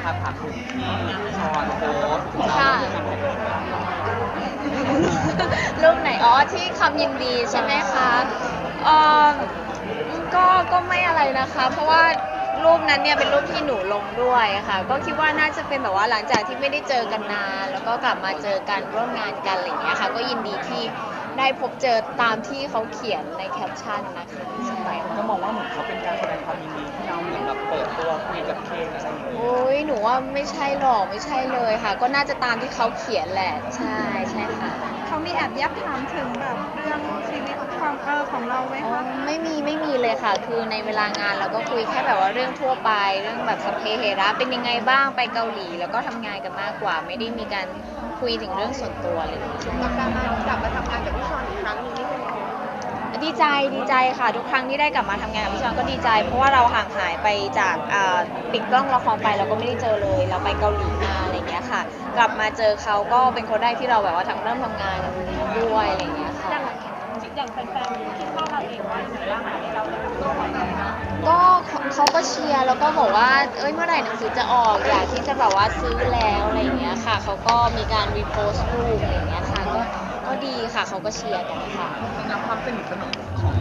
ครับถามถึงที่ชอนโพสต์ค่ะ รูปไหนอ๋อที่คำยินดีใช่ไหมคะเออก็ไม่อะไรนะคะ เพราะว่ารูปนั้นเนี่ยเป็นรูปที่หนูลงด้วยค่ะก็คิดว่าน่าจะเป็นแบบว่าหลังจากที่ไม่ได้เจอกันนานแล้วก็กลับมาเจอกันร่วมงานกันอะไรอย่างเงี้ยค่ะก็ยินดีที่ได้พบเจอตามที่เขาเขียนในแคปชั่นนะคะใช่ก็มองว่าเหมือนเขาเป็นการแสดงความยินดีที่เราเหมือนแบบเปิดตัวคุยกับเคนอะไรอย่างเงี้ยโอ้ยหนูว่าไม่ใช่หรอกไม่ใช่เลยค่ะก็น่าจะตามที่เขาเขียนแหละใช่ใช่ค่ะเขามีแอบยับถามถึงแบบเรื่องชีวิตความของเราไหมอ๋อคะไม่มีเลยค่ะคือในเวลางานเราก็คุยแค่แบบว่าเรื่องทั่วไปเรื่องแบบสัพเพเหระเป็นยังไงบ้างไปเกาหลีแล้วก็ทำงานกันมากกว่าไม่ได้มีการคุยถึงเรื่องส่วนตัวเลยกับการกลับมาทำงานกับพี่ชอนอีกครั้งหนึงนี่เป็นยังไงดีใจค่ะทุกครั้งที่ได้กลับมาทำงานกับพี่ชอนก็ดีใจเพราะว่าเราห่างหายไปจากปิดกล้องละครไปเราก็ไม่ได้เจอเลยเราไปเกาหลีมาอะไรเงี้ยค่ะกลับมาเจอเขาก็เป็นคนแรกที่เราแบบว่าเริ่มทำงานด้วยอะไรเงี้ยค่ะอย่างแฟนๆคิดว่าเราเองว่าอย่างไรบ้างคะเราจะต้องตัวไหนนะก็เขาก็เชียร์แล้วก็บอกว่าเอ้ยเมื่อไหร่หนังสือจะออกอยากที่จะแบบว่าซื้อแล้วอะไรอย่างเงี้ยค่ะเขาก็มีการรีโพสต์รูปอะไรอย่างเงี้ยค่ะก็ดีค่ะเขาก็เชียร์กันค่ะในความสนิทสนมของ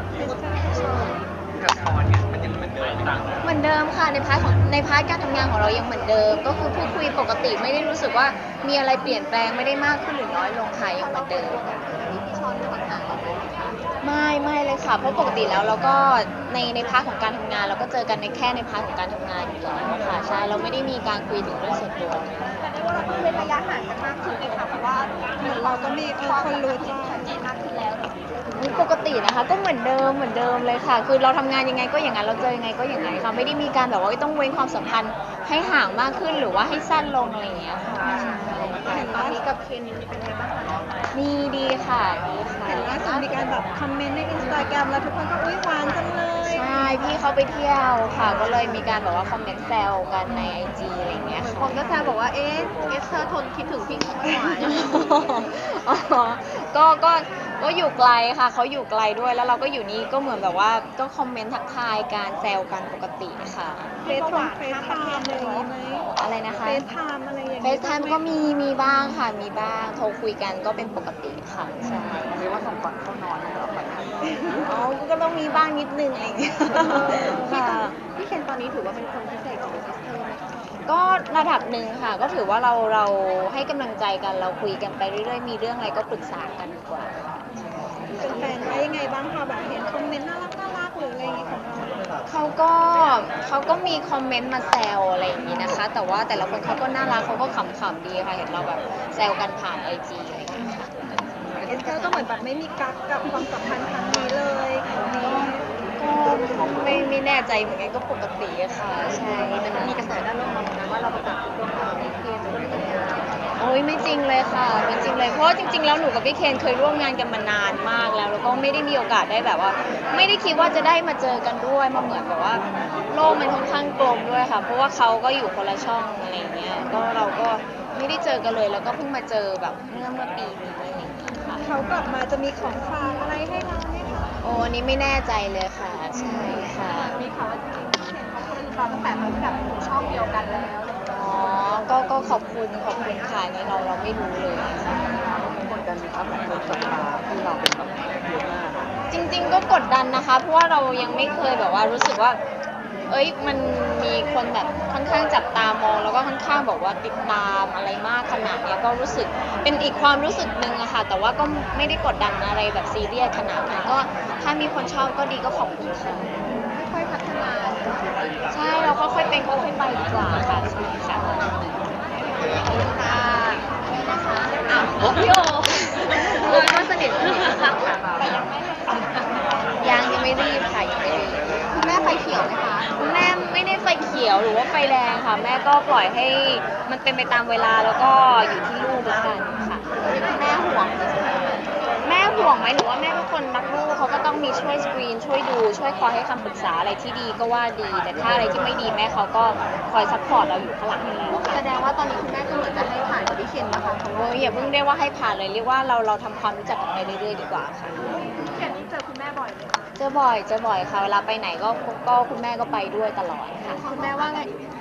กับชอนเนี่ยมันยังเหมือนเดิมต่างกันเหมือนเดิมค่ะในพาร์ทการทำงานของเรายังเหมือนเดิมก็คือพูดคุยปกติไม่ได้รู้สึกว่ามีอะไรเปลี่ยนแปลงไม่ได้มากขึ้นหรือน้อยลงค่ะยังเหมือนเดิมพี่ชอนห่างเราไหมคะไม่เลยค่ะเพราะปกติแล้วเราก็ในพาร์ทของการทำงานเราก็เจอกันในแค่ในพาร์ทของการทำงานอยู่แล้วค่ะใช่เราไม่ได้มีการคุยถึงเรื่องส่วนตัวแต่ได้ว่าเราต้องเว้นระยะห่างกันมากขึ้นเลยค่ะเพราะว่าเหมือนเราก็มีคนรู้ใจชัดเจนมากขึ้นแล้วปกตินะคะก็เหมือนเดิมเลยค่ะคือเราทำงานยังไงก็อย่างนั้นเราเจอยังไงก็อย่างนั้นค่ะไม่ได้มีการแบบว่าต้องเว้นความสัมพันธ์ให้ห่างมากขึ้นหรือว่าให้สั้นลงอะไรอย่างเงี้ยค่ะเห็นตอนนี้กับเคนเป็นไงบ้างคะดีค่ะดีค่ะเห็นล่าสุดมีการแบบคอมเมนต์ในอินสตาแกรมแล้วทุกคนก็อุ้ยหวานจังเลยใช่พี่เขาไปเที่ยวค่ะก็เลยมีการแบบว่าคอมเมนต์แซวกันในไอจีอะไรอย่างเงี้ยเหมือนคค่ะนก็แซวบอกว่าเอ๊ะเธอทนคิดถึงพี่เขาไม่ไหวอ๋อก็อยู่ไกลค่ะเขาอยู่ไกลด้วยแล้วเราก็อยู่นี่ก็เหมือนแบบว่าก็คอมเมนต์ทักทายการแซวกันปกติค่ะเฟซไทม์อะไรอย่างงี้ไหมอะไรนะคะเฟซไทม์อะไรอย่างเฟงี้ซไทม์ก็มีบ้างค่ะมีบ้างโทรคุยกันก็เป็นปกติค่ะใช่เรียกว่าส่งก่อนเข้านอนให้เราฝันดีอ๋อก็ต้องมีบ้างนิดนึงอะไรอย่างเงี้ยค่ะพี่เคนตอนนี้ถือว่าเป็นคนพิเศษของซิสเตอร์ไหมคะก็ระดับหนึ่งค่ะ ก็ถือว่าเราให้กำลังใจกันเราคุยกันไปเรื่อยๆมีเรื่องอะไรก็ปรึกษากันดีกว่าเป็นแฟนๆว่ายังไงบ้างคะแบบเห็นคอมเมนต์น่ารักหรืออะไรอย่างงี้ของเราเขาก็มีคอมเมนต์มาแซวอะไรอย่างนี้นะคะ แต่ว่าแต่ละคนเขาก็น่ารักเขาก็ขำๆดีค่ะเห็นเราแบบแซวกันผ่านไอจีอะไรอย่างเงี้ยค่ะเอสเตอร์ก็เหมือนแบบไม่มีกั๊กกับความสัมพันธ์ครั้งนี้เลยครั้งนี้ก็ไม่แน่ใจเหมือนกันก็ปกติอะค่ะใช่แต่มันมีกระแสด้านลบมาเหมือนกันว่าเราประกาศตัวกับพี่เคนอะไรอย่างเงี้ยโอ้ยไม่จริงเลยค่ะไม่จริงเลยเพราะว่าจริงๆแล้วหนูกับพี่เคนเคยร่วมงานกันมานานมากแล้วก็ไม่ได้มีโอกาสได้แบบว่า ไม่ได้คิดว่าจะได้มาเจอกันด้วยมาเหมือนแบบว่าโลกมันค่อนข้างกลมด้วยค่ะ เพราะว่าเขาก็อยู่คนละช่องอะไรอย่างเงี้ยก็เราก็ไม่ได้เจอกันเลยแล้วก็เพิ่งมาเจอแบบเมื่อปีนี้อะไรอย่างเงี้ยค่ะเขากลับมาจะมีของฝากอะไรให้เราไหมคะโอ้อันนี้ไม่แน่ใจเลยค่ะใช่ค่ะมีข่าวว่าจริงๆพี่เคนเขาคุยกับเราตั้งแต่ตอนที่แบบอยู่ช่องเดียวกันแล้วอะไรอย่างเงี้ยอ๋อก็ขอบคุณค่ะอันนี่เราไม่รู้เลยค่ะกดดันไหมครับคนศรัทธาที่เราเป็นแบบเยอะมากจริงๆก็กดดันนะคะเพราะว่าเรายังไม่เคยแบบว่ารู้สึกว่าเอ้ยมันมีคนแบบค่อนข้างจับตามองแล้วก็ค่อนข้างบอกว่าติดตามอะไรมากขนาดเนี้ยก็รู้สึกเป็นอีกความรู้สึกหนึ่งอะค่ะแต่ว่าก็ไม่ได้กดดันอะไรแบบซีเรียสขนาดนั้นก็ถ้ามีคนชอบก็ดีก็ขอบคุณค่ะค่อยๆพัฒนาใช่เราค่อยๆเป็นค่อยๆไปดีกว่าค่ะใช่ค่ะค่ะนะคะอ้าวพี่โอก็สนิทค่ะแต่ยังไม่รีบค่ะยังไม่รีบคุณแม่ไฟเขียวไหมคะคุณแม่ไม่ได้ไฟเขียวหรือว่าไฟแดงค่ะแม่ก็ปล่อยให้มันเป็นไปตามเวลาแล้วก็อยู่ที่ลูกแล้วกันค่ะแม่ห่วงแม่ห่วงไหมหรือว่าแม่เป็นคนรักลูกเขาก็ต้องมีช่วยสกรีนช่วยดูช่วยคอยให้คำปรึกษาอะไรที่ดีก็ว่าดี แต่ถ้าอะไรที่ไม่ดีแม่เขาก็คอยซัพพอร์ตเราอยู่ข้างหลังค่ะแสดงว่าตอนนี้คุณแม่ก็เหมือนจะให้ผ่านกับพี่เคนนะคะโอ้ยอย่าเพิ่งเรียกว่าให้ผ่านเลยเรียกว่าเราทำความรู้จักกันไปเรื่อยๆดีกว่าค่ะพี่เคนนี่เจอคุณแม่บ่อยไหมคะเจอบ่อยค่ะเวลาไปไหนก็คุณแม่ก็ไปด้วยตลอดค่ะคุณแม่ว่าไง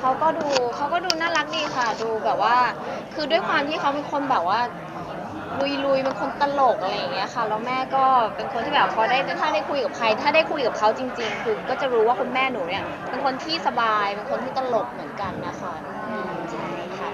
เขาก็ดูน่ารักดีค่ะดูแบบว่าคือด้วยความที่เขาเป็นคนแบบว่าลุยเป็นคนตลกอะไรอย่างเงี้ยค่ะแล้วแม่ก็เป็นคนที่แบบพอได้ถ้าได้คุยกับใครถ้าได้คุยกับเขาจริงๆคือก็จะรู้ว่าคุณแม่หนูเนี่ยเป็นคนที่สบายเป็นคนที่ตลกเหมือนกันนะคะ